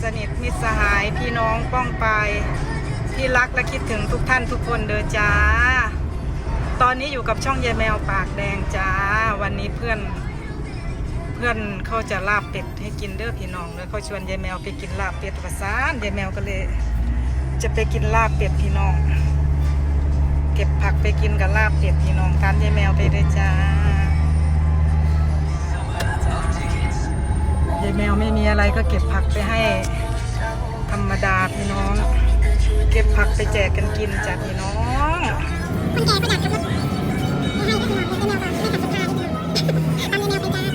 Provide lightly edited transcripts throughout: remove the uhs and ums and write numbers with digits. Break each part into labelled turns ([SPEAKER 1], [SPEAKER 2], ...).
[SPEAKER 1] สนิทมิตรสหายพี่น้องป้องปายที่รักและคิดถึงทุกท่านทุกคนเด้อจ้าตอนนี้อยู่กับช่องยายแมวปากแดงจ้าวันนี้เพื่อนเขาจะลาบเป็ดให้กินเด้อพี่น้องแล้วเขาชวนยายแมวไปกินลาบเป็ดประสานยายแมวก็เลยจะไปกินลาบเป็ดพี่น้องเก็บผักไปกินกับลาบเป็ดพี่น้องตามยายแมวไปเลยจ้ายายแมวไม่มีอะไรก็เก็บผักไปให้ธรรมดาพี่น้องเก็บผักไปแจกกันกินจ้ะพี่น้องคนแก่ก็อยากขับรถไม่ให้ก็คือไม่แมวไม่ขับสภาเลยตามยายแมวไปจ้า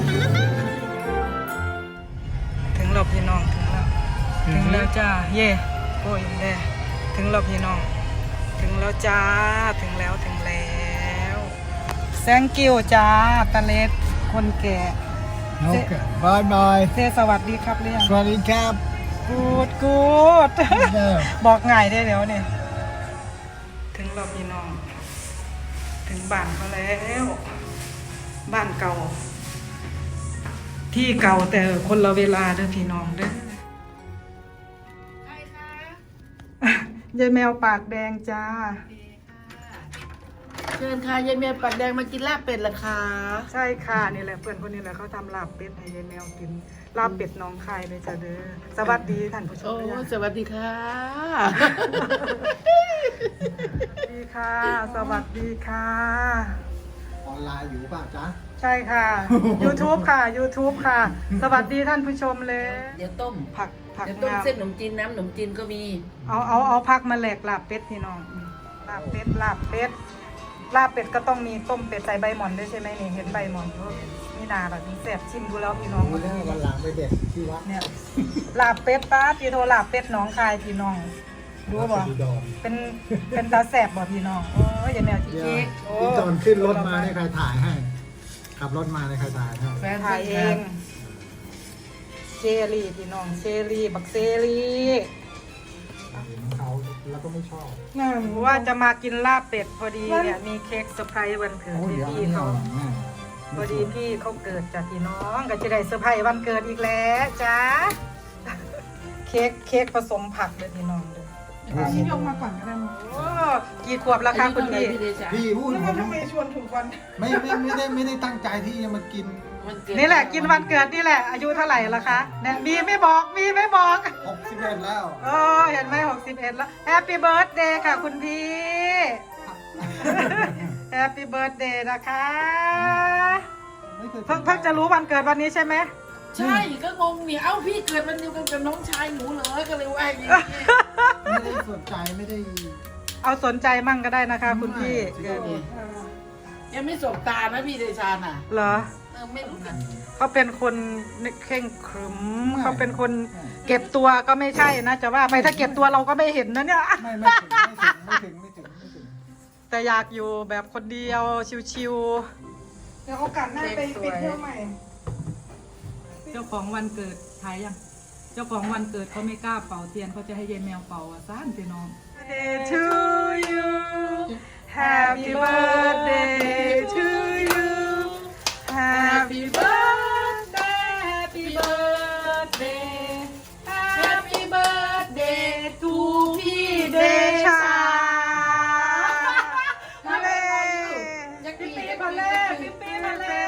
[SPEAKER 1] ถึงเราพี่น้องถึงแล้วจ้าเย่โอ้ยแด่ถึงเราพี่น้องถึงแล้วจ้าถึงแล้วแซงกิ้วจ้าตะเล็ดคนแก่
[SPEAKER 2] โอเคบายบาย
[SPEAKER 1] เซสวัสดีครับเรียง
[SPEAKER 2] สวัสดีครับ
[SPEAKER 1] กูดบอกง่ายได้เดี๋ยวนี่ถึงเราพี่น้องถึงบ้านเขาแล้วบ้านเก่าที่เก่าแต่คนละเวลาเด้อพี่น้องเด้อใครคะยายแมวปากแดงจ้า
[SPEAKER 3] เชิญค่ะยายแมวปากแดงมากินลาบเป็ดเหรอคะ
[SPEAKER 1] ใช่ค่ะนี่แหละเพื่อนคนนี้แหละเขาทำลาบเป็ดให้ยายแมวกินลาบเป็ดน้องคายเลยจ้าเด้อสวัสดีท่านผู้ชม
[SPEAKER 3] โอ้สวัสดีค่ะ
[SPEAKER 1] สวัสดีค่ะสวัสดีค่ะ
[SPEAKER 2] ออนไลน์อยู่ป่ะจ๊ะ
[SPEAKER 1] ใช่ค่ะ YouTube ค่ะ YouTube ค่ะ สวัสดีท่านผู้ชมเลย
[SPEAKER 3] เดี๋ยวต้ม
[SPEAKER 1] ผัก
[SPEAKER 3] เดี๋ยวต้มเส้นขนมจีนน้ำขนมจีนก็มี
[SPEAKER 1] เอาผักมาแหลกลาบเป็ดพี่น้องลาบเป็ดลาบเป็ดก็ต้องมีต้มเป็ดใส่ใบหม่อนด้วยใช่ไหมนี่เห็นใบหม่อนนี่นาแบบนี้แซ่บชิมดูแล้วพี่น้อง
[SPEAKER 2] วันหลังไปเด็ดที่วัด
[SPEAKER 1] เนี่ยลาบเป็ดป้าพี่โทรลาบเป็ดน้องคายพี่น้องดูบ่เป็นตาแซ่บบ่พี่น้องโอ้ยอย่าแนวจิ๊ก
[SPEAKER 2] ที่ตอนขึ้นรถมาเนี่ยใครถ่ายให้ขับรถมาเนี่ยใครถ่ายให้
[SPEAKER 1] แฟนถ่ายเองเชอรี่พี่น้องเชอรี่บักเชอรี่
[SPEAKER 2] เขาแล้วก็ไม่ชอบ
[SPEAKER 1] ว่าจะมากินลาบเป็ดพอดีเนี่ยมีเค้กเซอร์ไพรส์วันเกิดพี่เขาพอดีพี่เขาเกิดจากพี่น้องก็จะได้เซอร์ไพรส์วันเกิดอีกแล้วจ้าเค้กผสมผักเลยพี่น้องเลยพี่ยกมาก่อนก็ได้มั้งกี่ขวบแล้วคะคุณพี่
[SPEAKER 2] พูดผมทำไมชวนถูกวันไม่ได้ตั้งใจที่จะมากิน
[SPEAKER 1] นี่แหละกินวันเกิดนี่แหละอายุเท่าไหร่ละคะเนี่ยมีไม่บอก
[SPEAKER 2] 61แล้ว
[SPEAKER 1] เห็นไหม61แล้วแฮปปี้เบิร์ธเดย์ค่ะคุณพี่แฮปปี้เบิร์ธเดย์นะคะเพิ่งจะรู้วันเกิดวันนี้ใช่ไหม
[SPEAKER 3] ใช่ก็งงเนี่ยเอ้าพี่เกิดวันเดียวกันกับน้องชายหนูเหรอก็เลยว่าอย่างนี้
[SPEAKER 2] ไม่ได้สนใจไม่ได้
[SPEAKER 1] เอาสนใจมั่งก็ได้นะคะคุณพี่
[SPEAKER 3] ยังไม่สบตานะพี่เดชาน่ะ
[SPEAKER 1] เหรอ
[SPEAKER 3] ไม่รู้นะ
[SPEAKER 1] เขาเป็นคนเข่งขรึมเขาเป็นคนเก็บตัวก็ไม่ใช่นะจะว่าไปถ้าเก็บตัวเราก็ไม่เห็นนะเนี่ย
[SPEAKER 2] ไม่ถึง
[SPEAKER 1] แต่อยากอยู่แบบคนเดียวชิวๆเดี๋ยวโอกาสหน้าไปเที่ยวใหม่เจ้าของวันเกิดถ่ายยังเจ้าของวันเกิดเขาไม่กล้าเป่าเทียนเขาจะให้ยายแมวเป่าซ่านพี่น้อง Birthday to you Happy birthday to you Happy birthday Happy birthday Happy birthday to พี่เดชามาเลยพี่ปีมาเลย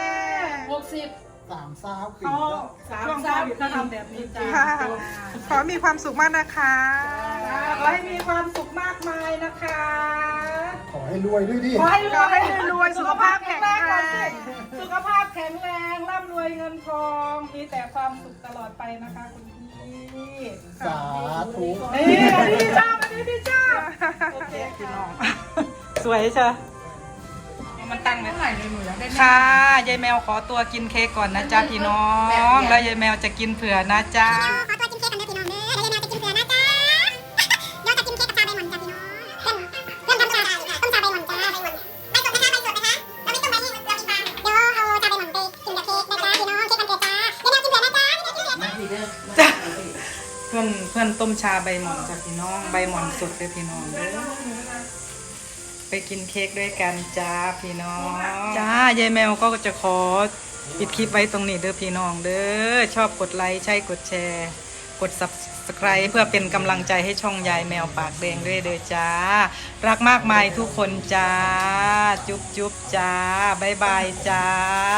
[SPEAKER 2] 30 ปี
[SPEAKER 1] ช่วงโควิดเขาทำแบบนี้จ้าขอมีความสุขมากนะคะขอให้มีความสุขมากมายนะคะ
[SPEAKER 2] ขอให้รวยด้วยดิ
[SPEAKER 1] ขอให้รวยสุขภาพแข็งแรงร่ำรวยเงินทองมีแต่ความสุขตลอดไปนะคะคุณพี่
[SPEAKER 2] สาธุ
[SPEAKER 1] นี่พี่ชอบโอเคพี่น้องสวยใช่มันตั้งไว้ไหนในมือค่ะยายแมวขอตัวกินเค้กก่อนนะจ๊ะพี่น้องแล้วยายแมวจะกินเผื่อนะจ๊ะขอตัวกินเค้กกันนะพี่น้องเด้อแล้วยายแมวจะกินเผื่อนะจ๊ะเดี๋ยวจะกินเค้กกับชาใบหม่อนจ้ะพี่น้องเพื่อนทำชาต้มชาใบหม่อนจ้าใบสดนะคะเราไม่ต้มใบนี่เรากินปลาเดี๋ยวเอาชาใบหม่อนไปกินกับเค้กนะจ๊ะพี่น้องเค้กวันเกิดจ้ายายแมวกินเผื่อนะจ๊ะจ้ะเพื่อนต้มชาใบหม่อนจ้ะพี่น้องใบหม่อนสดเลยพี่น้องเด้อไปกินเค้กด้วยกันจ้าพี่น้องจ้ายายแมวก็จะขอปิดคลิปไว้ตรงนี้เด้อพี่น้องเด้อชอบกดไลค์ใช่กดแชร์กด Subscribe เพื่อเป็นกำลังใจให้ช่องยายแมวปากแดงด้วยเด้อจ้ารักมากมายทุกคนจ้าจุ๊บจุ๊บจ้าบ๊ายบายจ้า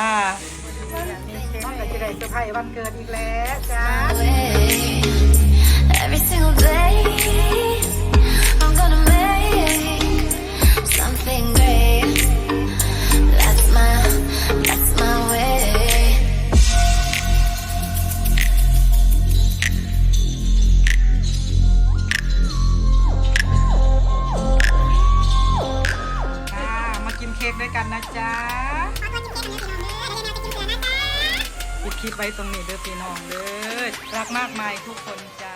[SPEAKER 1] น้องก็จะได้เซอร์ไพรส์วันเกิดอีกแล้วจ้า
[SPEAKER 4] Every single day, I'm gonna make something great. That's my way.
[SPEAKER 1] มากินเค้กด้วยกันนะจ๊ะปิดคลิปไว้ตรงนี้เด้อพี่น้องเด้อรักมากมายทุกคนจ้า